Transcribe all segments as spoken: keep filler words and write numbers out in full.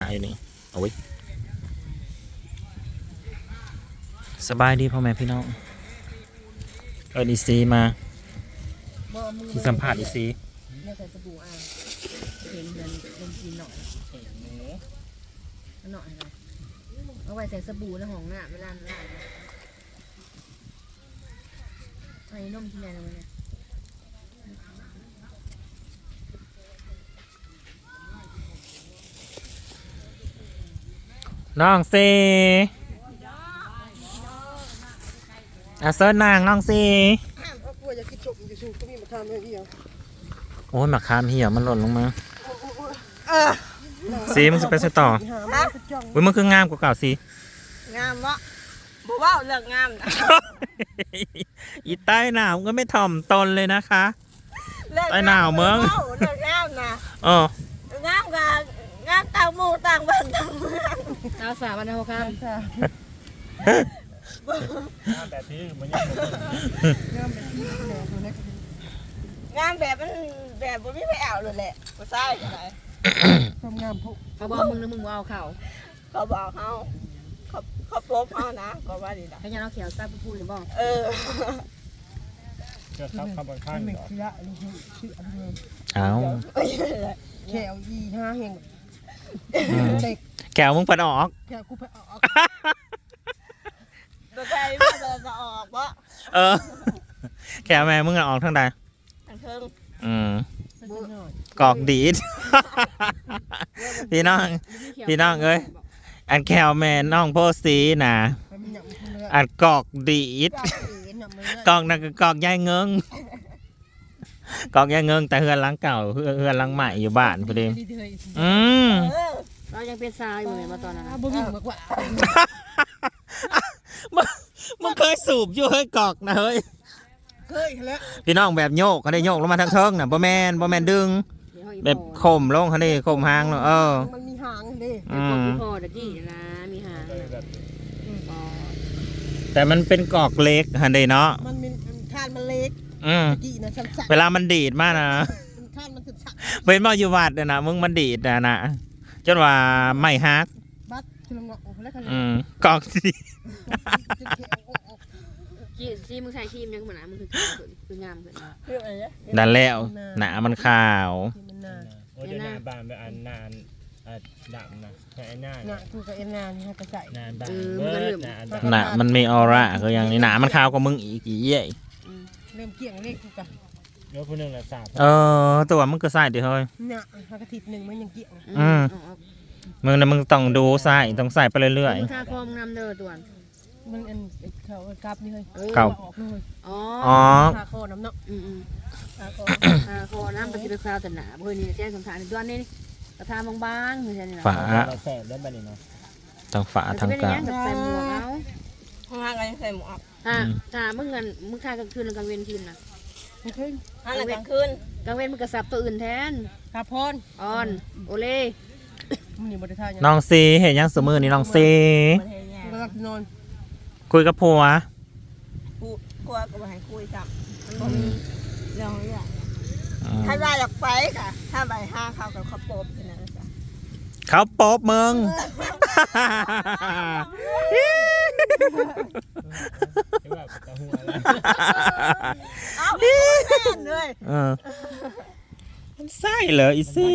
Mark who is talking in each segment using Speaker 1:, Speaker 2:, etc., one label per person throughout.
Speaker 1: อยู่นี่เอาไว้สบายดีพ่อแม่พี่น้องเอิญอีซีมาที่สัมผัสอีซี
Speaker 2: เนี่ยใส่สบู่อ่ะเห็นเงินลงกินหน่อยเห็นหมูหน่อยนะเอาไว้ใส่สบู่ในห้องน้ำเวลาล้างไอ้นมที่ไหนนะมันเนี่ย
Speaker 1: น้องซีอาเซิร์นนางน้องซีโอ้ยหมักคามเหี่ยวมันหล่นลงมาซีมันจะไปใส่ต่ออุ้ยมันคืองามกว่าเก่าซี
Speaker 3: งามวะบอกว่าเรื่องงามนะ
Speaker 1: อีใต้หนาวก็ไม่ถ่อมตนเลยนะคะใต้หนาวเมือง
Speaker 3: เรื่องงามนะ
Speaker 1: เอ
Speaker 3: องามกับงามต่างหมู่ต่างบ้านต่างเมือง
Speaker 2: ดาวสาวันนะพ่อครับ
Speaker 4: งามแบบนี้มันยังงามแบบนี้
Speaker 3: งามแบบมันแบบบ่มีไปเอาเลยแหละบ่ใช่กันไหน
Speaker 2: ความงามพวกเขาบอกมึงนะมึงว่าเอาเข่า
Speaker 3: เขาบอกเขาเขาเขาโป๊บเขานะก็ว่าดีนะ
Speaker 2: เขายังเอาเขียวใต้พูดหรือบอก
Speaker 3: เออ
Speaker 4: เจ้าครับคำบางข้างเหรอ
Speaker 1: เอา
Speaker 2: แขวอีห้าเฮง
Speaker 1: แก้วมึงเปิดออก
Speaker 2: แขวกูไปออก
Speaker 3: ตัวใจมันจะออกวะ
Speaker 1: เออแก้วแม่มึงออกทางใด
Speaker 3: ทางเทิง
Speaker 1: อืมกอกดีดพี่น้องพี่น้องเอ้ยอันแก้วแม่น้องโพสีนะอันกอกดีดกอกนั่นคือกอกยายเงิงกอกยายเงิงแต่เฮือนหลังเก่าเฮือนหลังใหม่อยู่บ้านพอดีอืม
Speaker 2: เรายังเป็นซาอยู่เลยมาตอนนั้นบุ้งมากกว่า
Speaker 1: มึงเคยสูบอยู่เฮ้ยกอกนะเฮ้ย
Speaker 2: เคยแล้ว
Speaker 1: พี่น้องแบบโยกเขาได้โยกลงมาทางเทิงน่ะบ่แมนบ่แมนดึงแบบข่มลงเขาได้ข่มหางเนาะเออ
Speaker 2: มันมีหางดิ
Speaker 1: อืม
Speaker 2: พอเด็กกี้นะมีหาง
Speaker 1: แต่มันเป็นกอกเล็กฮันเดเนาะ
Speaker 2: มันมีคานมันเล็ก
Speaker 1: อืมเวลามันดีดมากนะเป็นบ่อยู่วัดนะมึงมันดีดนะนะจนว่าไม่ฮักอืมกอกสิ
Speaker 2: กีซีมึงใส่ครีมยังเหมือนนะมึงคือคืองามเหมือน
Speaker 1: นั่นแล้วหนามันขาว
Speaker 4: โอ้ยหน้าบานแบบอันนานดำนะแค่หน้า
Speaker 2: หน้าคือกับเอ็นนานนี่ก็ใส่
Speaker 4: หน้าดำเบิร์ด
Speaker 1: หนามันมีออร่าก็อย่างนี้หนามันขาวกว่ามึงอีกกี่เย่
Speaker 2: เริ่มเกี่ยงเลขกูกัน
Speaker 4: เดี๋ยวคนหนึ่งละสาม
Speaker 1: เออตัวมึงก็ใส่ดิเฮ้ย
Speaker 2: เนี่ยกระติดหนึ่งมันยังเกี่ยง
Speaker 1: อืมมึงนะมึงต้องดูใส่ต้องใส่ไปเรื่อย
Speaker 2: ๆมึงทาคอมนำเด้อตัวมันอันเขากลับนี่เลย
Speaker 1: เก่า
Speaker 2: อ๋อทาคอน้ำเนาะอืมอืมทาคอทาคอน้ำปฏิบัติคราวแต่หนาเพื่อนนี่แจ้งสำคัญในตัวนี้กระทาบางๆเหมือนกันนี่
Speaker 1: ฝา
Speaker 4: แสบได้บ้านี่เนาะ
Speaker 1: ต้องฝาทางกลาง
Speaker 2: ใส่หมวกเอา
Speaker 3: ข้างล่างก็ยังใส่หมวก
Speaker 2: อ่าถ้ามึงเงินมึงค่ากลางคืนกลางเวรคืนนะ
Speaker 3: กลางคืนกลางคืน
Speaker 2: กลางเวรมึงกระสับตัวอื่นแทนกาพอนออนโอเล่
Speaker 1: น้องซีเห็นยังสมือนี่น้องซีคุยกับผัว
Speaker 3: กูกลัวก็ไม่ให้คุยจับมันมีเรื่องเรื่องถ้าได้อยากไปค่ะถ้าไปห้าเขากับเขาโป๊บนะจ๊ะ
Speaker 1: เขาโป๊บมึง
Speaker 3: เอาเลย
Speaker 1: มันไส้เหรออีซี่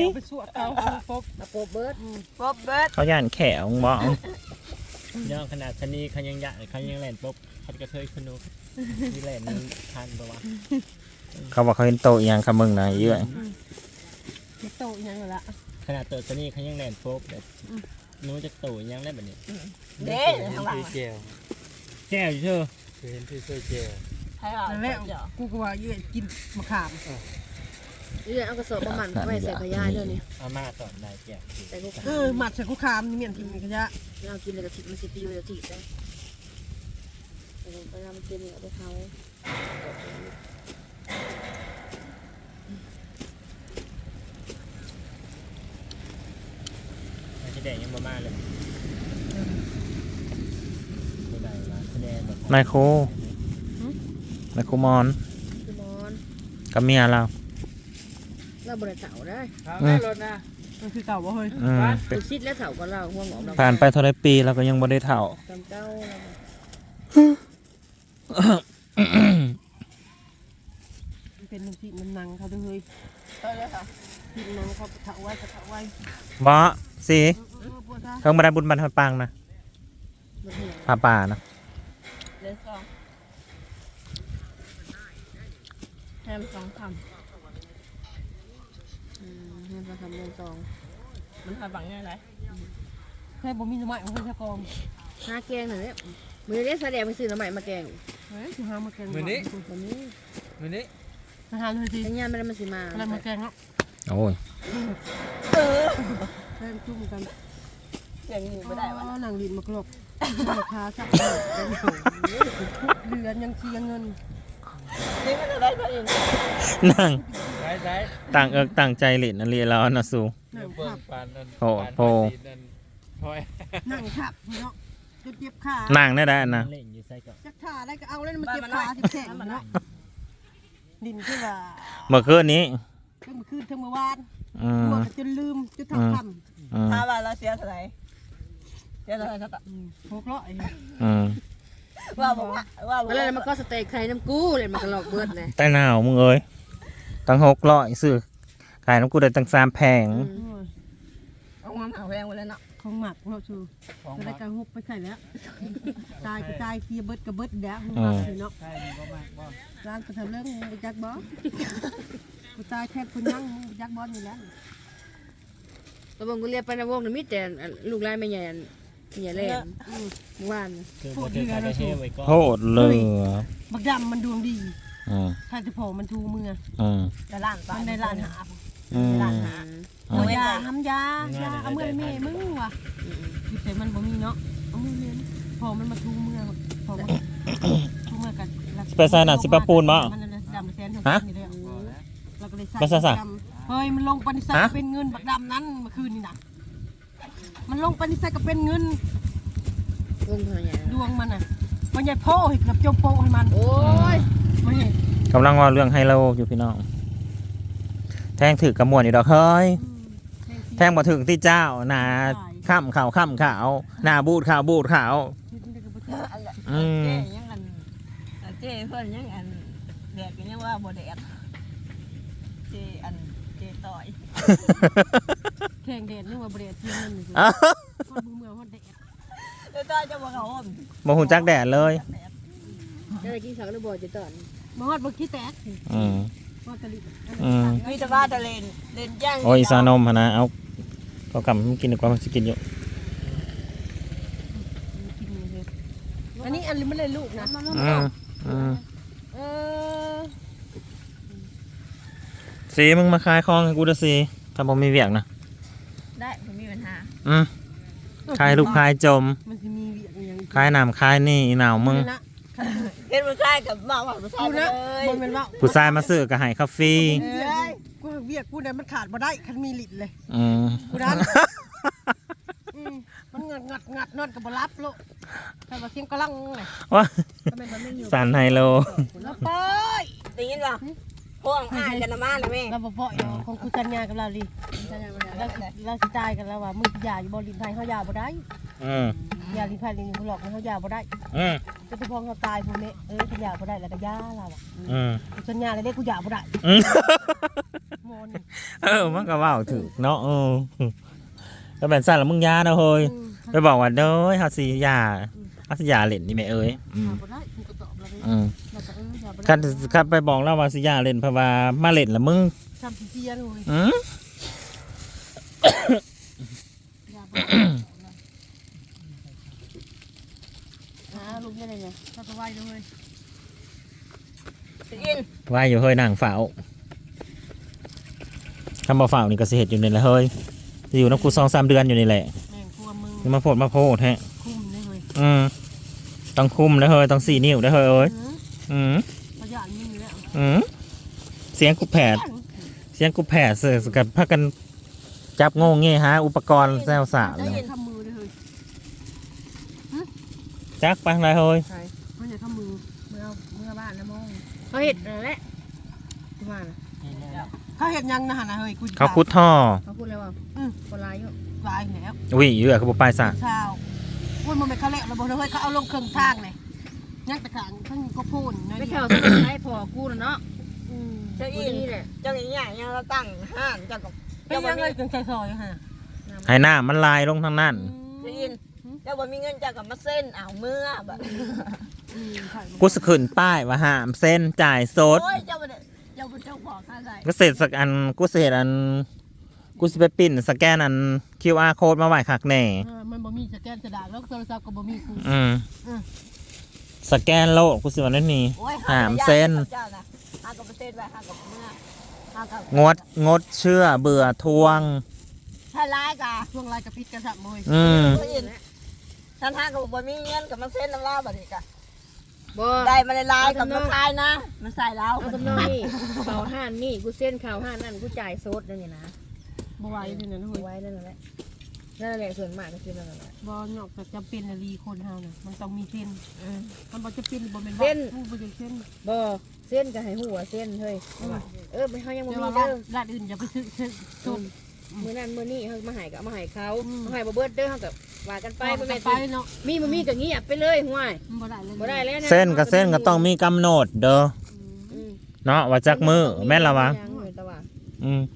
Speaker 1: เขาย่านแขวงบ้อง
Speaker 4: ย่องขนาดชนีเขายังยะเขายังแหลนปุ๊บเขากระเทยขนุกมีแหลนทันปะวะ
Speaker 1: เขาบอกเขาเห็นโตอย่างคำมึงนะเยอะ
Speaker 2: โตอย่างละ
Speaker 4: ขนาดโตชนีเขายังแหลนปุ๊บแบบนู้จะโตยังแหลนแบบนี้
Speaker 3: เด้ทางหลัง
Speaker 4: แก้วแก้วอยู่เชื่อเห็นที่เสื้อแก้ว
Speaker 3: ใช่หรอ
Speaker 2: แล้วกูก็ว่าเยอะกินมะขามเรื่องเอากระสอบประมาณไม่ใส่ขยะเดี๋ยวนี้
Speaker 4: เอามาตอนนายแก้ว
Speaker 2: เออหมัดใส่กุคามนี่เหมือนกินขยะเรากินเลยกระถิ่นมันสิปีเลยกระถิ่นได้ไปทำเจนี่เอาไปเขา
Speaker 4: ไม่ใช่แดงยังมามาเลย
Speaker 1: ไมโครไมโครมอนกับเมียเรา
Speaker 2: เราบริจาคได้
Speaker 4: แม่รถนะ
Speaker 2: มันคือเก่าบ่เฮ้ย
Speaker 1: อืม
Speaker 2: เป็นชิดแล้วเถ่าก็เราห่วงออกเรา
Speaker 1: ผ่านไปเท่าไรปีเราก็ยังบ่ได้เท่า
Speaker 2: จำเก้ามันเป็นที่มันนังเขาด้วยเฮ้ย
Speaker 3: เออเลยค่ะ
Speaker 2: ที่นังเขาเถ่าไว้เถ่าไว้
Speaker 1: บ่สิ
Speaker 2: เออปวดท้า
Speaker 1: เพิ่งมาได้บุญบรรทัดปังนะผาป่านะ
Speaker 3: เลนสองแฮมสองค
Speaker 2: อืมเงินประคำเงินซอง
Speaker 3: ำมันทำบังง่ายไร
Speaker 2: แค่บ่มีหน่อไม้ของเพิ่นจะกองหาแกงหน่อยเนี่ยมือเล็กแสดงไปซื้อหน่อไม้มาแกงเฮ้ยสิหามาแกงมื้อนี้มื้อนี้
Speaker 4: มื้อนี้
Speaker 2: มาหาเลยสิทั้งยามไม่ได้มาสิมาอะไรมาแกงเนาะ
Speaker 1: โอ้ย
Speaker 3: เออ
Speaker 2: แกงจุ่มกัน
Speaker 3: เสียงอยู่ไม่ได้วะ
Speaker 2: หนังดินมากรบราคาสักเดือนยังเชียเงิน
Speaker 3: นี่มันจะได้ก็อยู่
Speaker 1: นั่ง
Speaker 4: ได้ได้
Speaker 1: ต่างเอิกต่างใจหลินนั่นเรียนแล้วนะสู
Speaker 4: เดี๋ยวเบิ่งปานนั้น
Speaker 1: โอ้
Speaker 4: ปาน
Speaker 1: โอ้
Speaker 4: ปานนั่นพอย
Speaker 2: นั่งขับเนาะจะเจ็บขา
Speaker 1: นั่งได้ได้นะ
Speaker 4: เล่นอยู่ใส่ก่อน
Speaker 2: จักขาได้ก็เอาแล้วมันเจ็บขาที่แขนเนาะดินคือว่า
Speaker 1: เมื่อคืนนี้
Speaker 2: ทั้งคืนทั้งเมื่อวาน
Speaker 1: อืม
Speaker 2: ตัวจนลืมจนทำท
Speaker 1: อืม
Speaker 3: ถ้าว่าเราเสียเท่าไหร่เสียเท่าไหร่สัก
Speaker 2: ำหกร้อย
Speaker 1: อืม
Speaker 3: ว่าบอกว่าว่าบอก
Speaker 2: แล้วมันก็สเต็กไข่น้ำกู้เลยมันก็หลอกเบิดเลย
Speaker 1: แต่หนาวมึงเอ้ยตั้งหกร้อยซื้อขายน้ำกูได้ตั้งสามแพง
Speaker 3: เอามาหาแรงไว้แล้วเนาะ
Speaker 2: ของหมักเนาะชู
Speaker 4: ของ
Speaker 2: จะได้
Speaker 4: มัก
Speaker 2: การฮุบไปไข่แล้วตายก็ตายเคียเบิดก็เบิดแล้ว
Speaker 1: อืม
Speaker 2: เนาะ
Speaker 4: ใช่มันก็มากบ่
Speaker 2: ร้านก็ทำเรื่องมึงจักบอกูตายแค่คนนั่งมึงจักบออยู่แล้วตัวบงกูเรียกไปในวงนี่มีแต่ลูกไล่ไม่ใหญ่ใหญ่เล่นเมื่อวาน
Speaker 4: คือบ่ได้ได้เฮไว้ก่อน
Speaker 1: โทษเลย
Speaker 2: บักดำมันดวงดี
Speaker 1: อืม
Speaker 2: ถ้าจะพอมันทูมือ
Speaker 1: อืม
Speaker 3: แต่ล้าน
Speaker 2: มันได้ล้านหา
Speaker 1: อืม
Speaker 3: ล้านหา
Speaker 2: เอายาทำยายาเอาเมื่อเมย์มึงว่ะคือแต่มันบ่มีเนาะเอามือเมย์พอมันมาทูมือพอมันทูมือกันมันดำแสนฮะเราก็เลยใส่เฮ้ยมันลงปณิสัยเป็นเงินบักดำนั้นเมื่อคืนนี่นะมันลงปณิสัยก็เป็นเงินดวงมันอ่ะมันใหญ่พ่อเกือบจมโปให้มันโอ้ยไม่เห็น
Speaker 1: กำลังว่าเรื่องไฮโลอยู่พี่น้องแทงถือกระมวลอีกดอกเฮ้ยแทงมาถึงที่เจ้าหนาข้ามขาวข้ามขาวหนาบูดขาวบูดขาว อืม
Speaker 3: เจ๊ยังอันเจ๊เพื่อนยังอันแดดก็ยังว่าบ่แดดเจ๊อันเจ๊ต่อย
Speaker 2: แข่งแดดนึกว่าเบรดเทียนนี่คือคนมือเมืองคนแดด
Speaker 3: เจ๊ต่อยจะบ่เขาห่ม
Speaker 1: โมหุ่นจักแดดเลย
Speaker 2: จะได้กินสักหรือบ่จะตอนมาฮอดบ่ขี้แตก
Speaker 1: อืม
Speaker 2: ฮอดตะลิ
Speaker 1: อืม
Speaker 3: มีแต่ว่าจะเล่นเล่นย่าง
Speaker 1: โอ้ยซานมหนนะเอาก็กลับมากินดีกว่ามันจะกินอยู่
Speaker 2: อันนี้อันนี้ไม่เลยลูกนะ
Speaker 1: อืมอืม
Speaker 2: เออ
Speaker 1: สีมึงมาขายของให้กูด้วยสิถ้าผมมีเวียกนะ
Speaker 3: ได้ไม่มีปัญหา
Speaker 1: อืมขายลูกขายจม
Speaker 2: มันจะมีเวียงอย่าง
Speaker 1: ขายน้ำขายนี่อีหนาวมึง
Speaker 3: เห็นผู้ชายกับมาว่าผู้ชาย
Speaker 2: กู
Speaker 3: เล
Speaker 2: นะ
Speaker 3: ย
Speaker 2: มันเป็นว่า
Speaker 1: ผู้ชายมาซื้อก็ให้คาเฟ่
Speaker 2: เอ้ยกูเวียกกูเนี่ยมันขาดบ่ได้คันมีลิดเลย
Speaker 1: อืม
Speaker 2: กูนั้นมันงัดงัดงัดนอนกับบรับโลแต่ว่าเสียงกระลังเลย
Speaker 1: ว่า
Speaker 2: ทำไมมันไม่อยู่
Speaker 1: สันไฮโล
Speaker 2: แล้วปอย
Speaker 3: ได้ยินป่ะพวกอ่านกันนะมาเลยแม่
Speaker 2: เราบ่ปอยของกูสัญญากับเราดิเราเราสิตายกันแล้วว่ามึงอย่าอยู่บ่ลินไทยเขาอย่าบ่ได้
Speaker 1: อืม
Speaker 2: อย่าลินไทยลินเขาหลอกเขาอย่าบ่ได้
Speaker 1: อืม
Speaker 2: จะไปพองเขาตายพวกนี้เอ้ยกูอย่าบ่ได้แล้วก็ย่าเราอ่ะ
Speaker 1: อืม
Speaker 2: กูสัญญาเลยเด้กูอย่าบ่ได้
Speaker 1: อืม
Speaker 2: โมน
Speaker 1: เออมันก็เว่าถึกเนาะเออแล้วแบบสั่นแล้วมึงยาเนาะเฮ้ยไปบอกว่าเด้อเฮาสิยาเฮาสิยาเล่นนี่แม่เอ้ยอืม
Speaker 2: บ่ได้กูก็ตอบแล้ว
Speaker 1: อืม
Speaker 2: แล้วก็เอออย่าบ่ได้
Speaker 1: คันคันไปบอกแล้วว่าสิยาเล่นเพราะว่ามาเล่นแล้วมึง
Speaker 2: ทำเสียเลย
Speaker 1: อืม
Speaker 2: อย่าบ่ได้หาลุงยังไงเนี่ยถ้าจะไหวเลย
Speaker 3: ได้ยิน
Speaker 1: ว่าอยู่เฮ้ยนางเฝ้าคำบ่เฝ้านี่ก็สิเฮ็ดอยู่นี่แหละเฮ้ยสิอยู่นำกูสองสามเดือนอยู่นี่แหละ
Speaker 2: แม่งกลัวมึง
Speaker 1: นี่มาโพดมาโพดแฮะ
Speaker 2: คุ้มเลยเฮ้ย
Speaker 1: อืมต้องคุมนะเฮ้ยต้องสี่นิ้วนะเฮ้ยเอ้ยอืม
Speaker 2: ประหยัดมึงอยู่แล้ว
Speaker 1: อืมเสียงกูแผดเสียงกูแผดเสือกับพากันจับโง่เงี้ยฮะ อุปกรณ์แซวสา
Speaker 2: ได้
Speaker 1: เลย
Speaker 2: ยินทำมือเลยเฮ้ย
Speaker 1: จักไปอะไรเฮ้ย
Speaker 2: มันจะทำมือเมื่อเมื่อบ้านนะมองเขาเห็ดนั่นแหละที่บ้าน
Speaker 4: นี่แหละ
Speaker 2: เเขาเห็นยังนะฮะนะเฮ้ยกู
Speaker 1: เขาคุดท่อ
Speaker 5: เขาพูดเลยว่า
Speaker 2: อืม
Speaker 5: คนร้ายอยู่
Speaker 2: ลายแล้ว
Speaker 1: อุ้ยเยอะเขาบอกไปซะ
Speaker 2: เช้าพูดมันเป็นเขาแล้วเราบอกเฮ้ยเขาเอาลงเครื่องทางเลยยังแต่ขางทั้งก็พูดน้อย
Speaker 5: ไม่
Speaker 2: เดี
Speaker 5: แถ
Speaker 2: ยว
Speaker 5: วสมุนไพรพอกูนะเนาะ
Speaker 2: อืม
Speaker 3: เจ้า
Speaker 5: กู
Speaker 3: อิน
Speaker 5: นี่แหละ
Speaker 3: เจ้าอย่างเงี้ยยังเราตั้งห้านเจ้ากับ
Speaker 2: เป็นยังไงถึงใจซอยฮะ
Speaker 1: ให้หน้ามันลายลงทางนั้น
Speaker 3: เจ้าอินเจ้าบ่มีเงินเจ้ากับมาเส้นเอาเมื่อแบบ
Speaker 2: อืมใช่
Speaker 1: กูสะขึ้นป้ายว่าห้ามเส้นจ่ายสด
Speaker 3: โอ้ยเจ้าบ่ได้เจ้าบ่เจ้าบอกข้าใส่
Speaker 1: ก็เสร็จสักอันกูเสร็จอันกูสิไปปิ้นสแกนอัน คิว อาร์ code มาไหวคักแน่
Speaker 2: เออมันบ่มีสแกนกระดาษแล้วโทรศัพท์ก็บ่มีกู
Speaker 1: อืม
Speaker 2: อืม
Speaker 1: สแกนโลกกูสิวันนั้นนี่
Speaker 3: โอ้ย
Speaker 1: หามเส้น
Speaker 3: เจ้านะห้ากับเส้นไว้ห้ากับเมื่อห้ากับ
Speaker 1: งดงดเชื่อเบื่อทวง
Speaker 3: ถ้าร้ายกะ
Speaker 2: ช่วงลายกระปิดกระสับมวย
Speaker 1: อืม
Speaker 3: เจ้าอินท่านห้ากับบ่มีเงินกับมาเส้นน้ำลาบัดนี้กะ
Speaker 5: บ่
Speaker 3: ได้มาได้ลายกับมาคายนะมาใส่แล้ว
Speaker 5: เอาตำนองนี่เขาห้านนี่กูเส้นเขาห้านนั่นกูจ่ายโซดนั่นนี่นะ
Speaker 2: บ่ไหวนี่นะเฮ้ย
Speaker 5: ไว้นั่นแหละนั่นแหละส่วนมากก็คือนั่นแหละ
Speaker 2: บ่นอกจากจำเป็นอะลีคนเฮาน่ะมันต้องมีเส้น
Speaker 3: อืม
Speaker 2: มันบ่จะเป็นบ่แม่น
Speaker 5: เส้น
Speaker 2: ผู้บ่จะเส้น
Speaker 5: บ่เส้นก็ให้หัวเส้นเฮ้ยเออไม่เขายังบ่
Speaker 2: แต่
Speaker 5: มี
Speaker 2: ว่า
Speaker 5: เด้อ
Speaker 2: ร้านอื่นอย่าไปซื้อซื้อต้น
Speaker 5: มื้อนั้นมื้อนี้เขามาให้ก็เอามาให้เขา
Speaker 2: อืม
Speaker 5: เอาให้บ่เบิดเด้อเขาก็ว่ากันไปบ่แม่น
Speaker 2: ไป
Speaker 5: สิ
Speaker 2: เนาะ
Speaker 5: มีบ่มีก็เงียบไปเลยห่วย
Speaker 2: มันบ่ได้เลย
Speaker 5: บ่ได้แล้วนะ
Speaker 1: เส้นกับเส้นก็ต้องมีกำหนดเด้อ
Speaker 5: อืม
Speaker 1: เนาะว่าจักมือแม่นละวะ
Speaker 5: ยังอยู่แต่ว่า
Speaker 1: อืม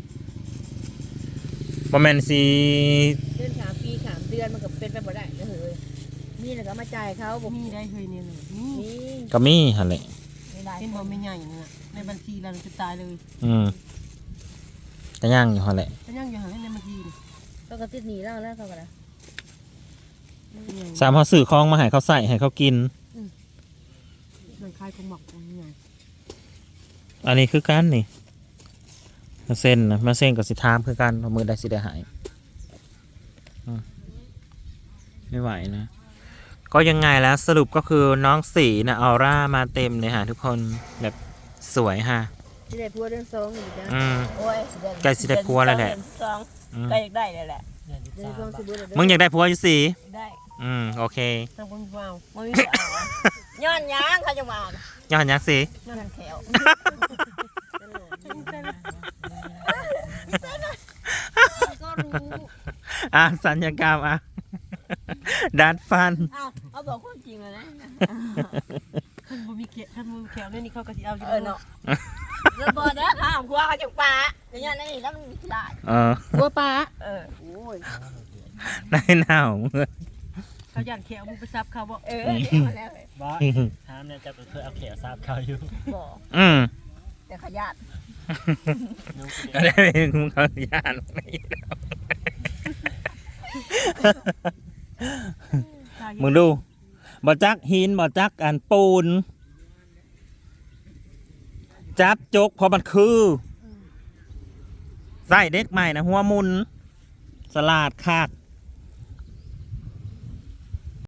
Speaker 1: บ่แม่นสิ
Speaker 5: เดือนสามปีสามเดือนมันก็เป็นไปบ่ได้เด้อเฮ้ยมีแล้วก็เอามาจ่ายเขาบ่
Speaker 2: มีได้เคยเนี่ยเลยนี่
Speaker 5: มี
Speaker 1: ก็มีหั่นแหละ
Speaker 3: ไม่ได้
Speaker 2: เป็นบ่ไม่ใหญ่นี่น่ะในบัญชีเราจะตายเลย
Speaker 1: อืมก็ย่างอยู่หั่นแหละ
Speaker 2: ก็ยังอยู่หันในบัญชีนี่
Speaker 5: เขาก็ติดหนีแล้วแล้วเขาก็ได้
Speaker 2: เป็นใหญ่
Speaker 1: สามเขาซื้อของมาให้เขาใส่ให้เขากิน
Speaker 2: มันคล้ายของหมอกของใหญ่
Speaker 1: อันนี้คือกันนี่มาเส้นนะมาเส้นกับสิทามคือกันเอามือได้สิได้หายอืมไม่ไหวนะ ก็ยังไงแล้วสรุปก็คือน้องสีนะออร่ามาเต็มเลยฮะทุกคนแบบสวยฮะ
Speaker 5: ที่ได้พัวเดือนสองอยู่จ้ะ
Speaker 1: อืม
Speaker 3: โอ้ย
Speaker 1: ใกล้สิได้ผัวแล้วแหละ
Speaker 3: สอง
Speaker 1: อืม
Speaker 3: ใกล้อยากได้เลยแหละ
Speaker 5: เดือนสองสิบเดือน
Speaker 1: มึงอยากได้ผัวอยู่สี
Speaker 3: ได้
Speaker 1: อืมโอเค
Speaker 2: ทางคนว้าว
Speaker 3: มันมีเอาอะย้อนยางเขาจะมาเอา
Speaker 1: ย้อนยักษ์สี
Speaker 3: ย้อนแขว
Speaker 5: ก็รู้
Speaker 1: อ่ะสัญญกรรมอ่ะ ดัดฟัน
Speaker 3: เอาเอาบอกความจริงเลยนะ
Speaker 2: ท่านบ่มีเขียท่านบ่มีแขวนี่นี่เขาก็สิเอาอยู่
Speaker 3: เออเนาะแล้วบอเด้อข้ามครัวเขาจะปลาอย่างนี้นี่แล้วมันมีได้
Speaker 1: เออ
Speaker 5: พัวปลา
Speaker 3: เออ
Speaker 5: โอ้ย
Speaker 1: ได้หนาว
Speaker 2: เขาย่านแขวมึงไปซับเขาบ่
Speaker 3: เออเดี๋ยวมาแล้วเลย
Speaker 4: บ่ถามเนี่ยจะเคยเอาเขียวซาบเขาอยู่
Speaker 3: บอก
Speaker 1: อืม
Speaker 3: แต่ขยาด
Speaker 1: ก็ได้มึงเขาย่านไม่แล้วมึงดูบ่จักหินบ่จักอันปูน จับจกเพอมันคือใส่เด็กใหม่นะหัวมุน สลาดคาก